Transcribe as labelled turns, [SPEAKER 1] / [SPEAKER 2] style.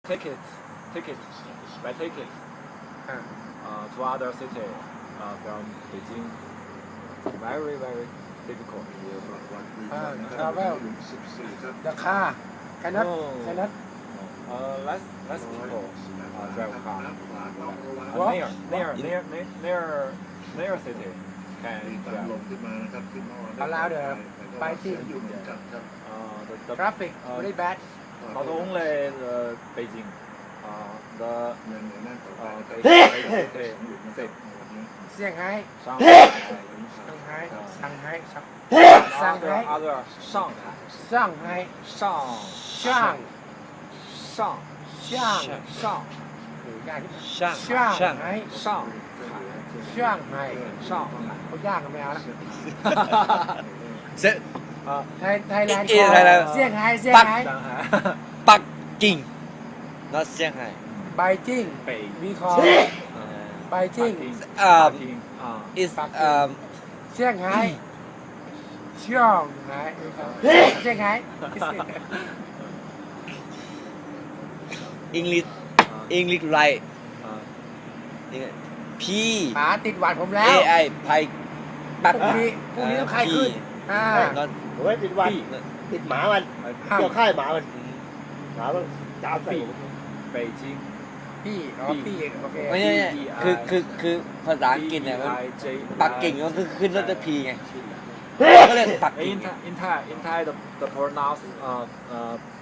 [SPEAKER 1] ticket by ticket
[SPEAKER 2] อ่า
[SPEAKER 1] to other city from Beijing. Very difficult.
[SPEAKER 2] travel the car cannot cannot
[SPEAKER 1] Less people drive car.
[SPEAKER 2] What?
[SPEAKER 1] Near city can drive.
[SPEAKER 2] allow the biking
[SPEAKER 1] The
[SPEAKER 2] traffic very bad
[SPEAKER 1] not only the Beijing, the Beijing city,
[SPEAKER 2] เซี่ยงไฮ้
[SPEAKER 1] Shanghai,
[SPEAKER 2] ซังไฮ้ซังไฮ้
[SPEAKER 1] other Shanghai,
[SPEAKER 2] ซ่างไฮ้ ช่าง
[SPEAKER 1] Shanghai,
[SPEAKER 2] ช่างยากที่
[SPEAKER 3] ช่าง
[SPEAKER 2] ช่าง
[SPEAKER 3] ช่าง
[SPEAKER 2] ไฮ้
[SPEAKER 1] Shanghai,
[SPEAKER 2] ช่างไฮ้
[SPEAKER 1] Shanghai.
[SPEAKER 2] เขายากกันไม่เอาละ
[SPEAKER 3] เซ็ต
[SPEAKER 2] ไทยแลนด์
[SPEAKER 3] เอ๊ะ Thailand
[SPEAKER 2] เซี่ยงไฮ้เซี่ยงไฮ้
[SPEAKER 1] Shanghai,
[SPEAKER 3] ปักกิ่ง not เซี่ยงไฮ้
[SPEAKER 2] ไบจิ้ง
[SPEAKER 1] 北
[SPEAKER 2] วีคอไบจิ้ง
[SPEAKER 1] Peking,
[SPEAKER 3] is
[SPEAKER 2] เซี่ยงไฮ้ช่างไฮ้เซี่ยงไฮ้
[SPEAKER 3] English English right P
[SPEAKER 2] ป๋าติดหวัดผมแล้ว
[SPEAKER 3] AI ไพปัก
[SPEAKER 2] พรุ่งนี้ต้องใครขึ้น
[SPEAKER 3] not
[SPEAKER 4] โอ้ยติดวันติดหมามันเกี่ยวค่ายหมามันหมามันจ้าใส่ผม
[SPEAKER 1] 北京
[SPEAKER 2] พี่โอเค
[SPEAKER 3] ไม่ใช่คือภาษาอังกฤษเนี่ยมัน
[SPEAKER 1] J
[SPEAKER 3] ปักกิ่งก็คือขึ้นรถพีไงก็เลยปักกิ่ง
[SPEAKER 1] In Thai the pronounce